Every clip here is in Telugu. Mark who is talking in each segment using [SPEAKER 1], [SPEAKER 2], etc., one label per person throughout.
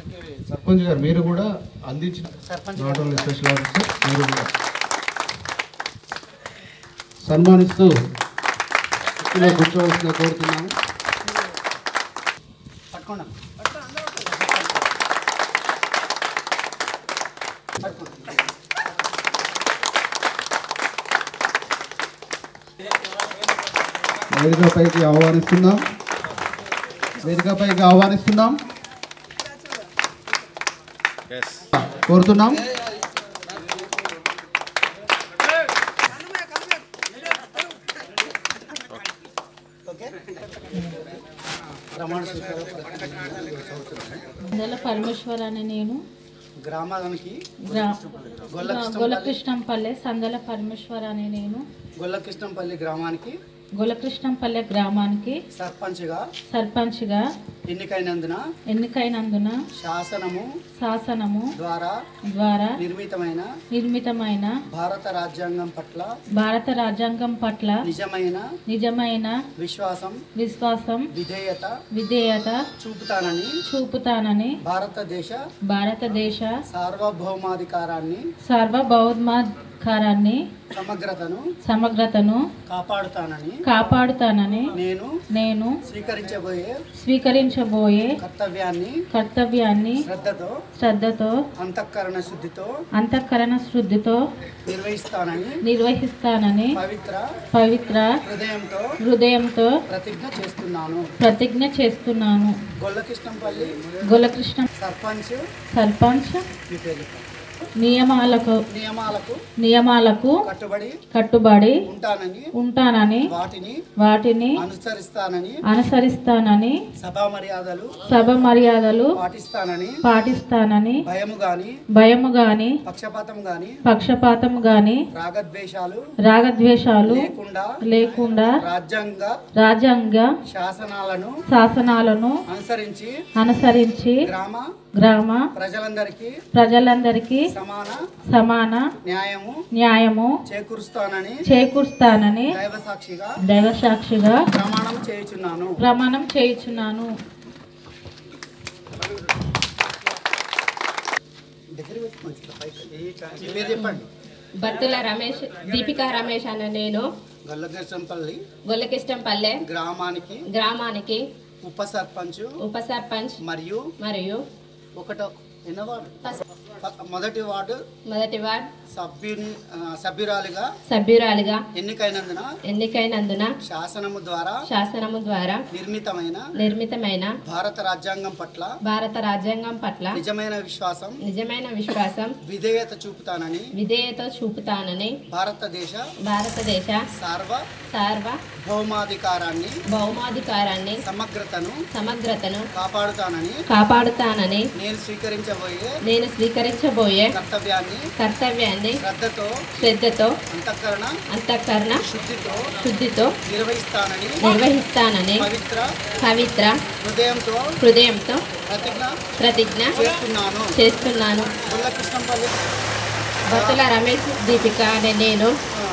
[SPEAKER 1] సర్పంచ్ గారు మీరు కూడా అందించిన నాట్ ఓన్లీ స్పెషల్ ఆఫీసర్ మీరు కూడా సన్మానిస్తూ కూర్చోవలసిన కోరుతున్నాము. వేదికపైకి ఆహ్వానిస్తున్నాం కోరుతున్నాం.
[SPEAKER 2] పరమేశ్వర్ అనే నేను గ్రామానికి గొల్లకృష్ణంపల్లె సందల పరమేశ్వర్ అనే నేను గొల్లకృష్ణంపల్లె గ్రామానికి సర్పంచ్గా ఎన్నికైనందున శాసనము ద్వారా నిర్మితమైన భారత రాజ్యాంగం పట్ల నిజమైన విశ్వాసం విధేయత చూపుతానని భారతదేశ సార్వభౌమాధికారాన్ని సమగ్రతను కాపాడుతానని నేను స్వీకరించబోయే కర్తవ్యాన్ని శ్రద్ధతో అంతఃకరణ శుద్ధితో నిర్వహిస్తానని పవిత్ర హృదయంతో ప్రతిజ్ఞ చేస్తున్నాను. గొల్లకృష్ణ సర్పంచ్ నియమాలకు కట్టుబడి ఉంటానని వాటిని అనుసరిస్తానని సభ మర్యాదలు పాటిస్తానని భయము గాని పక్షపాతం గాని రాగద్వేషాలు లేకుండా రాజ్యాంగ శాసనాలను అనుసరించి గ్రామ ప్రజలందరికీ సమాన న్యాయము చేకూరుస్తానని దైవసాక్షిగా ప్రమాణం చేయుచున్నాను.
[SPEAKER 3] బత్తుల రమేష్ దీపికా రమేష్ అన్న నేను గొల్లకిష్టంపల్లె గ్రామానికి ఉప సర్పంచ్ మరియు మొదటి వార్డు సభ్యురాలిగా ఎన్నికైనందున శాసనము ద్వారా నిర్మితమైన భారత రాజ్యాంగం పట్ల నిజమైన విశ్వాసం విధేయత చూపుతానని భారతదేశ భౌమాధికారాన్ని సమగ్రతను కాపాడుతానని నేను స్వీకరించబోయే కర్తవ్యాన్ని శ్రద్ధతో అంతఃకరణ శుద్ధితో నిర్వహిస్తానని పవిత్ర హృదయంతో ప్రతిజ్ఞ చేస్తున్నాను. బత్తుల రమేష్ దీపిక అనే నేను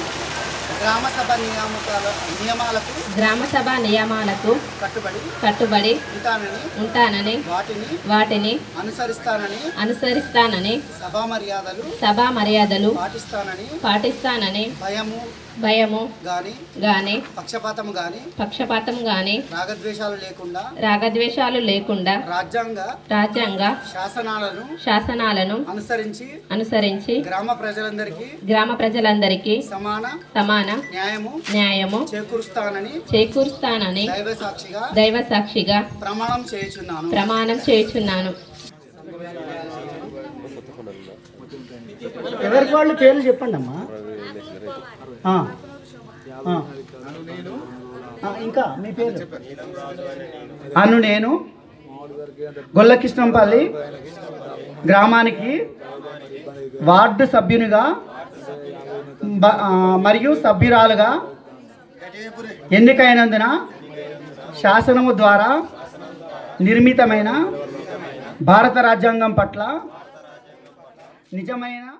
[SPEAKER 3] గ్రామసభ నియమాలకు కట్టుబడి ఉంటానని వాటిని అనుసరిస్తానని సభా మర్యాదలు పాటిస్తానని భయము గాని పక్షపాతం గాని రాగద్వేషాలు లేకుండా రాజ్యాంగ శాసనాలను అనుసరించి గ్రామ ప్రజలందరికీ సమాన న్యాయము చేకూరుస్తానని దైవసాక్షిగా ప్రమాణం చేయుచున్నాను.
[SPEAKER 4] ఎవరికి వాళ్ళు పేర్లు చెప్పండి అమ్మా. ఇంకా మీ పేరు? నేను గొల్లకృష్ణంపల్లి గ్రామానికి వార్డు సభ్యునిగా మరియు సభ్యురాలుగా ఎన్నికైనందున శాసనము ద్వారా నిర్మితమైన భారత రాజ్యాంగం పట్ల నిజమైన